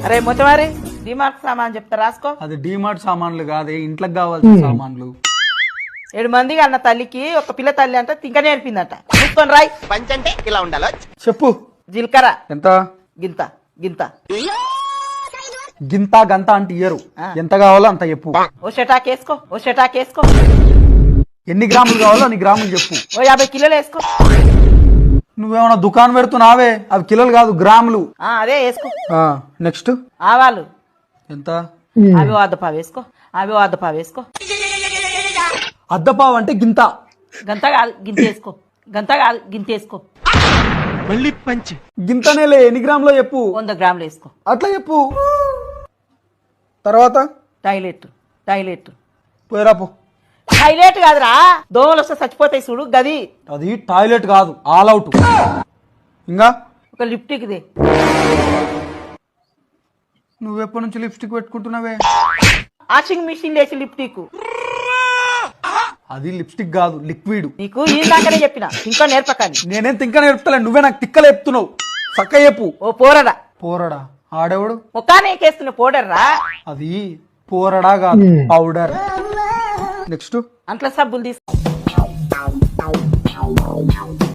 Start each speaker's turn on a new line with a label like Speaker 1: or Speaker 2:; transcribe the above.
Speaker 1: అరే మొత్తమారి డిమార్ట్ సామాన్ చెప్తా రాసుకో.
Speaker 2: అది డిమార్ట్ సామాన్లు కాదే, ఇంట్లోకి కావాల్సిన సామాన్లు.
Speaker 1: 7 మందికి అన్న తల్లికి ఒక పిల్ల తల్లి అంట తింక నేర్పిందట. చూసుకొని రాయ్.
Speaker 3: పంచ్ అంటే ఇలా ఉండాలో.
Speaker 2: చెప్పు.
Speaker 1: జీలకర్ర
Speaker 2: ఎంత?
Speaker 1: గింత గింత.
Speaker 2: గింత గంత అంటే ఇయ్యరు, ఎంత కావాలో అంత చెప్పు.
Speaker 1: ఓ షటాక్ వేసుకో, ఓ షటాక్ వేసుకో.
Speaker 2: ఎన్ని గ్రాములు కావాలో అన్ని గ్రాములు చెప్పు.
Speaker 1: ఓ 50 కిలోలు వేసుకో.
Speaker 2: నువ్వేమన్నా దుకాణం పెడుతున్నావే, అవి కిలోలు కాదు గ్రాములు.
Speaker 1: అదే వేసుకో.
Speaker 2: నెక్స్ట్
Speaker 1: ఆవాలు
Speaker 2: ఎంత?
Speaker 1: అవి అద్దపావు వేసుకో, అవి అద్దపావు వేసుకో.
Speaker 2: అద్దపావు అంటే గింత.
Speaker 1: గంత కాదు గింత వేసుకో, గంత కాదు గింత వేసుకో.
Speaker 3: మళ్ళీ పంచ్.
Speaker 2: గింతనేలే, ఎన్ని గ్రాములో చెప్పు.
Speaker 1: 100 గ్రాములు వేసుకో.
Speaker 2: అట్లా చెప్పు. తర్వాత
Speaker 1: టాయిలెట్ టాయిలెట్
Speaker 2: పోయిరాపో.
Speaker 1: టాయిలెట్ కాదురా, దోమలు వస్తే చచ్చిపోతాయి చూడు గది.
Speaker 2: అది టాయిలెట్ కాదు, ఆల్ అవుట్. ఇంకా
Speaker 1: ఒక లిప్టిక్ దే.
Speaker 2: నువ్వెప్పటి నుంచి లిప్స్టిక్ పెట్టుకుంటున్నావే?
Speaker 1: వాషింగ్ మిషన్ లేచి లిప్టిక్.
Speaker 2: అది లిప్స్టిక్ కాదు, లిక్విడ్.
Speaker 1: నీకు ఈ దాకానే చెప్పిన, ఇంకా నేర్పకండి.
Speaker 2: నేనేం తింక నేర్పుతలే, నువ్వే నాకు తిక్కలు చెప్తున్నావు. చక్క చెప్పు.
Speaker 1: ఓ పోరడా.
Speaker 2: పోరడా? ఆడేవాడు
Speaker 1: ముఖానే కేస్తున్న పౌడర్ రా.
Speaker 2: అది పోరడా కాదు, పౌడర్. నెక్స్ట్
Speaker 1: అంట్ల సబ్బులు తీసుకో.